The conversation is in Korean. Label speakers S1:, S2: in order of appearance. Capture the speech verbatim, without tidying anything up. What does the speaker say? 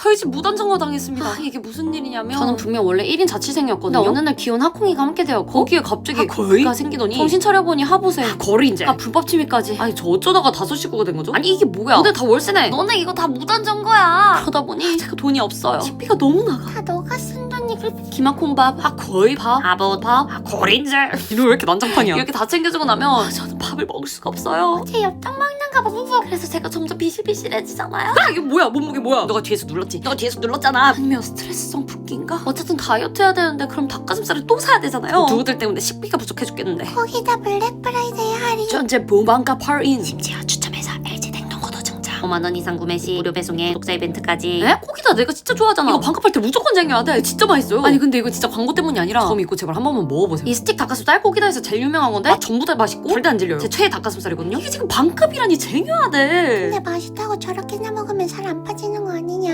S1: 저희 집 무단정거 당했습니다. 아, 이게 무슨 일이냐면 저는 분명 원래 일 인 자취생이었거든요. 근데 어느 날 귀여운 하콩이가 함께 되었고 거기에 갑자기 아, 거의가 생기더니 정신 차려보니 하부세 아, 거리인제 아 불법 침입까지. 아니 저 어쩌다가 다섯 식구가 된 거죠? 아니 이게 뭐야? 너네 다 월세네. 너네 이거 다 무단정거야. 그러다 보니 제가 돈이 없어요. 식비가 너무 나가.
S2: 다 너가 쓴 돈이고.
S1: 기마콩밥, 아 거의 밥, 아버밥, 아 거린제. 이거 왜 이렇게 난장판이야? 이렇게 다 챙겨주고 나면 아, 저는 밥을 먹을 수가 없어요.
S2: 제 엽떡 먹는가 봐. 부부.
S1: 그래서 제가 점점 비실비실해지잖아요. 아 이게 뭐야? 몸무게 뭐야? 너가 뒤에서 눌렀지? 너가 뒤에서 눌렀잖아. 아니면 스트레스성 붓기인가? 어쨌든 다이어트 해야 되는데 그럼 닭가슴살을 또 사야 되잖아요. 누구들 때문에 식비가 부족해 죽겠는데.
S2: 거기다 블랙 프라이데이 할인.
S1: 전체 본방가 팔인.
S2: 심지어 추첨해서 엘지 냉동고도 증정.
S1: 오만 원 이상 구매 시 무료 배송에 구독자 이벤트까지. 에? 거기다 내가 진짜 좋아하잖아. 이거 반값할 때 무조건 쟁여야 돼. 진짜 맛있어요. 아니 근데 이거 진짜 광고 때문이 아니라 저 믿고 제발 한 번만 먹어보세요. 이 스틱 닭가슴살 거기다에서 제일 유명한 건데 아, 전부 다 맛있고 절대 안 질려요. 제 최애 닭가슴살이거든요. 이게 지금 반값이라니 쟁여야 돼.
S2: 근데 맛있다고 저렇게나 먹으면 살 안 빠지는 거 아니냐?